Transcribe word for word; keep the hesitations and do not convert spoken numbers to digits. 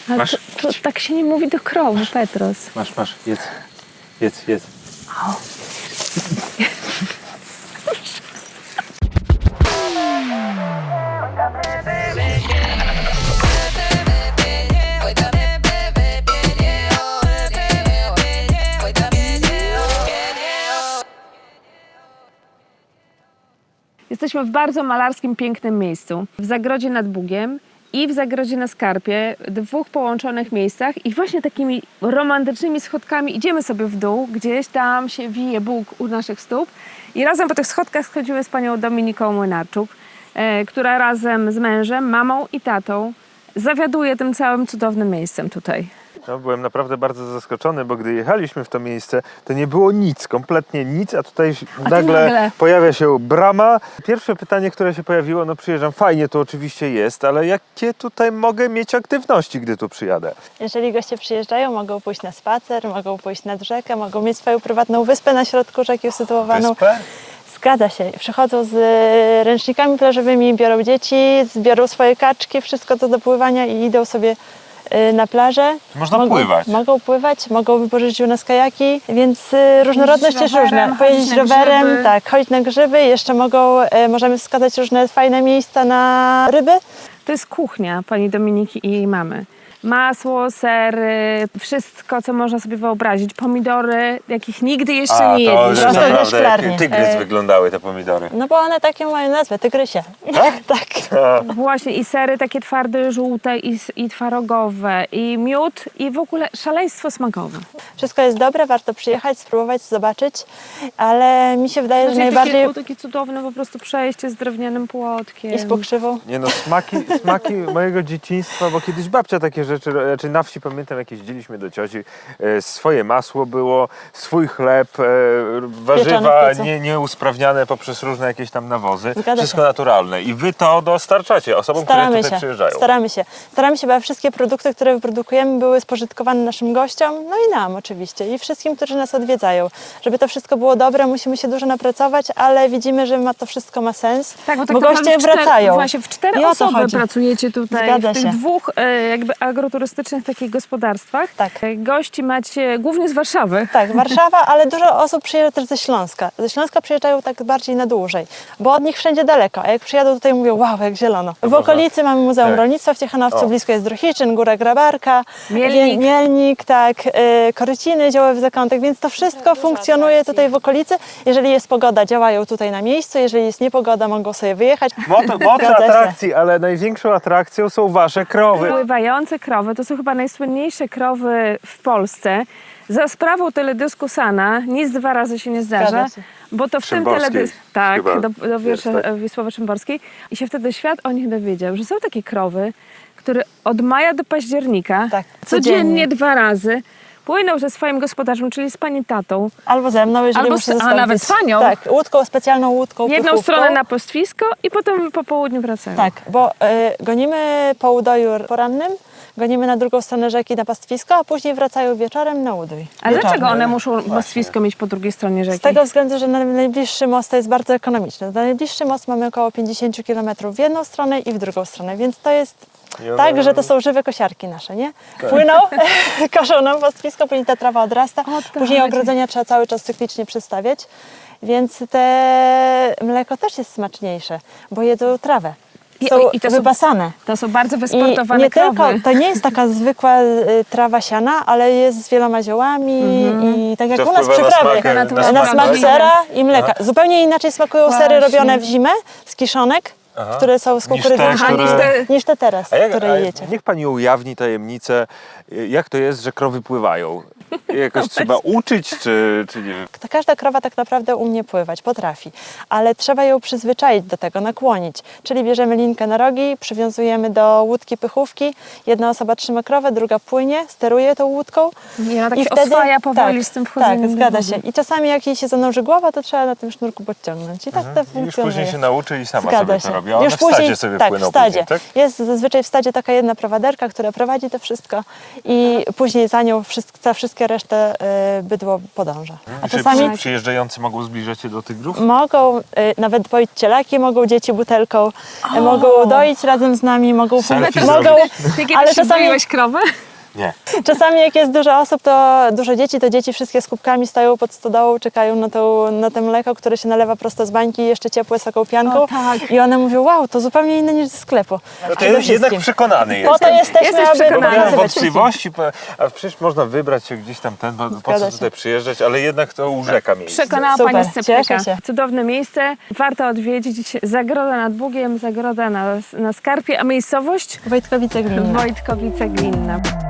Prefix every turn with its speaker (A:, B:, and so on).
A: Ale
B: Masz?
A: to, to tak się nie mówi do krowy, Petros.
B: Masz, masz, jedz. Jedz, jedz.
A: O. Jesteśmy w bardzo malarskim, pięknym miejscu. W zagrodzie nad Bugiem i w zagrodzie na Skarpie, dwóch połączonych miejscach i właśnie takimi romantycznymi schodkami idziemy sobie w dół, gdzieś tam się wije Bóg u naszych stóp i razem po tych schodkach schodzimy z panią Dominiką Młynarczuk, e, która razem z mężem, mamą i tatą zawiaduje tym całym cudownym miejscem tutaj.
B: No, byłem naprawdę bardzo zaskoczony, bo gdy jechaliśmy w to miejsce, to nie było nic, kompletnie nic, a tutaj
A: A
B: nagle,
A: nagle
B: pojawia się brama. Pierwsze pytanie, które się pojawiło, no przyjeżdżam, fajnie tu oczywiście jest, ale jakie tutaj mogę mieć aktywności, gdy tu przyjadę?
C: Jeżeli goście przyjeżdżają, mogą pójść na spacer, mogą pójść nad rzekę, mogą mieć swoją prywatną wyspę na środku rzeki usytuowaną.
B: Wyspę?
C: Zgadza się. Przychodzą z ręcznikami plażowymi, biorą dzieci, zbiorą swoje kaczki, wszystko co do pływania i idą sobie na plażę.
B: Można
C: mogą,
B: pływać.
C: Mogą pływać, mogą wypożyczyć u nas kajaki, więc różnorodność jest
A: rowerem,
C: różna. Pojeździć
A: chodzić na
C: rowerem,
A: grzyby.
C: tak, chodzić na grzyby, jeszcze mogą, możemy wskazać różne fajne miejsca na ryby.
A: To jest kuchnia pani Dominiki i jej mamy. Masło, sery, wszystko, co można sobie wyobrazić. Pomidory, jakich nigdy jeszcze
B: A,
A: nie
B: to
A: jedliśmy.
B: już
C: Prosto ze
B: naprawdę
C: szklarni.
B: jak tygrys
C: E.
B: wyglądały te pomidory.
C: No bo one takie mają nazwę, tygrysie.
B: Tak?
C: Tak.
A: Właśnie i sery takie twarde, żółte i, i twarogowe, i miód, i w ogóle szaleństwo smakowe.
C: Wszystko jest dobre, warto przyjechać, spróbować, zobaczyć, ale mi się wydaje, że
A: Znaczy,
C: najbardziej
A: takie, takie cudowne po prostu przejście z drewnianym płotkiem.
C: jest pokrzywą.
B: Nie no, smaki, smaki mojego dzieciństwa, bo kiedyś babcia takie rzeczy, znaczy na wsi pamiętam, jak jeździliśmy do cioci, e, swoje masło było, swój chleb, e, warzywa
C: w piecu.
B: nie, nieusprawniane poprzez różne jakieś tam nawozy,
C: Zgadza
B: wszystko
C: się.
B: naturalne i wy to dostarczacie osobom, które
C: Staramy
B: tutaj
C: się,
B: przyjeżdżają.
C: staramy się. Staramy się, aby wszystkie produkty, które wyprodukujemy, były spożytkowane naszym gościom, no i nam oczywiście, i wszystkim, którzy nas odwiedzają. Żeby to wszystko było dobre, musimy się dużo napracować, ale widzimy, że ma to wszystko ma sens,
A: Tak, bo, tak
C: bo
A: naprawdę
C: goście
A: w cztery,
C: wracają.
A: Właśnie w cztery
C: I o to
A: osoby
C: chodzi.
A: pracujecie tutaj
C: Zgadza
A: w tych
C: się.
A: dwóch e, jakby agroturystycznych takich gospodarstwach.
C: Tak.
A: E, Gości macie głównie z Warszawy.
C: Tak, Warszawa, ale dużo osób przyjeżdża też ze Śląska. Ze Śląska przyjeżdżają tak bardziej na dłużej, bo od nich wszędzie daleko, a jak przyjadą tutaj mówią, wow, jak zielono. W okolicy mamy Muzeum
B: Tak.
C: Rolnictwa w Ciechanowcu,
B: O.
C: blisko jest Druchiczyn, Góra Grabarka,
A: Mielnik.
C: Wie- Mielnik tak, y, Koryciny, Działowy Zakątek, więc to wszystko funkcjonuje tutaj w okolicy. Jeżeli jest pogoda, działają tutaj na miejscu, jeżeli jest niepogoda, mogą sobie wyjechać.
B: Moto, moto
C: Zgadza się.
B: atrakcji, ale największą atrakcją są wasze krowy.
A: Pływające krowy to są chyba najsłynniejsze krowy w Polsce. Za sprawą teledysku Sana nic dwa razy się nie zdarza,
C: Zgadza się.
A: bo to w tym
B: Szymborskiej
A: teledysku, tak,
B: chyba
A: do, do wiersza
B: jest, tak.
A: Wisławy Szymborskiej i się wtedy świat o nich dowiedział, że są takie krowy, które od maja do października
C: Tak,
A: codziennie
C: codziennie.
A: dwa razy płyną ze swoim gospodarzem, czyli z pani tatą,
C: Albo ze mną, jeżeli
A: Albo
C: muszę
A: z- a
C: zostawić.
A: nawet z panią.
C: Tak, łódką, specjalną łódką,
A: jedną
C: pychówką.
A: stronę na pastwisko i potem po południu wracają.
C: Tak, bo y, gonimy po udoju porannym, gonimy na drugą stronę rzeki na pastwisko, a później wracają wieczorem na udój.
A: A
C: Wieczorem.
A: dlaczego one muszą pastwisko mieć po drugiej stronie rzeki?
C: Z tego względu, że na najbliższy most to jest bardzo ekonomiczny. Na najbliższy most mamy około pięćdziesiąt kilometrów w jedną stronę i w drugą stronę, więc to jest
B: I one-
C: tak, że to są żywe kosiarki nasze, nie? Płyną, koszą nam pastwisko, później ta trawa odrasta,
A: O,
C: później
A: tak.
C: ogrodzenia trzeba cały czas cyklicznie przestawiać, więc te mleko też jest smaczniejsze, bo jedzą trawę.
A: I-
C: Są
A: i to są-
C: wypasane.
A: To są bardzo
C: I
A: wysportowane
C: nie
A: krowy.
C: tylko, to nie jest taka zwykła y, trawa siana, ale jest z wieloma ziołami i tak jak
B: To
C: u nas w
B: wpływa na
C: przyprawie.
B: smak,
A: na
C: Na,
A: smak,
C: smak
A: tak?
C: sera i mleka. Zupełnie inaczej smakują sery
A: Właśnie.
C: robione w zimę z kiszonek,
B: Aha.
C: które są z
B: Niż
C: kukurydzy,
B: te,
C: niż,
B: które-
C: niż te teraz,
B: A jak,
C: które
B: a
C: jecie.
B: niech pani ujawni tajemnicę, jak to jest, że krowy pływają? Jakoś trzeba uczyć, czy, czy nie wiem?
C: Ta każda krowa tak naprawdę umie pływać, potrafi, ale trzeba ją przyzwyczaić do tego, nakłonić. Czyli bierzemy linkę na rogi, przywiązujemy do łódki pychówki, jedna osoba trzyma krowę, druga płynie, steruje tą łódką.
A: I ona tak się oswaja powoli
C: tak,
A: z tym wchodzeniem
C: Tak,
A: do
C: zgadza
A: wody.
C: się. I czasami jak jej się zanurzy głowa, to trzeba na tym sznurku podciągnąć. I tak to
B: I już
C: funkcjonuje.
B: później się nauczy i sama
C: Zgadza
B: sobie
C: się.
B: to robi. A one
C: Już
B: w stadzie
C: później,
B: sobie
C: tak,
B: płyną
C: w stadzie.
B: później, tak?
C: Jest zazwyczaj w stadzie taka jedna prowaderka, która prowadzi to wszystko i później za nią wszystko, wszystkie reszty resztę y, bydło podąża. A
B: Czy
C: czasami
B: przy, przyjeżdżający mogą zbliżać się do tych grów?
C: mogą, y, nawet poić cielaki, mogą dzieci butelką, y, mogą doić razem z nami, mogą...
B: Selfie
C: mogą
B: zrobić.
A: Ty kiedyś
C: ale
A: ale
C: czasami-
A: doiłeś krowę?
B: Nie.
C: Czasami jak jest dużo osób, to dużo dzieci, to dzieci wszystkie z kubkami stoją pod stodołą, czekają na, tą, na to mleko, które się nalewa prosto z bańki, jeszcze ciepłe z taką pianką.
A: O, tak.
C: I one mówią, wow, to zupełnie inne niż ze sklepu.
B: No to
C: Przede
B: jest jednak
C: wszystkim.
B: przekonany
C: Po to
B: jestem.
C: jesteśmy,
A: Jesteś
C: aby
A: przekonany.
B: Bo miałem
C: pokazywać
B: wątpliwości, po- a przecież można wybrać się gdzieś tam ten, po, po
C: Zgadza
B: co
C: się.
B: tutaj przyjeżdżać, ale jednak to urzeka miejsce.
A: Przekonała
C: Super,
A: Pani Sceptyka.
C: cieszę się.
A: Cudowne miejsce, warto odwiedzić. Zagroda nad Bugiem, zagroda na, na Skarpie, a miejscowość?
C: Wojtkowice Gminne.
A: Wojtkowice Glinna.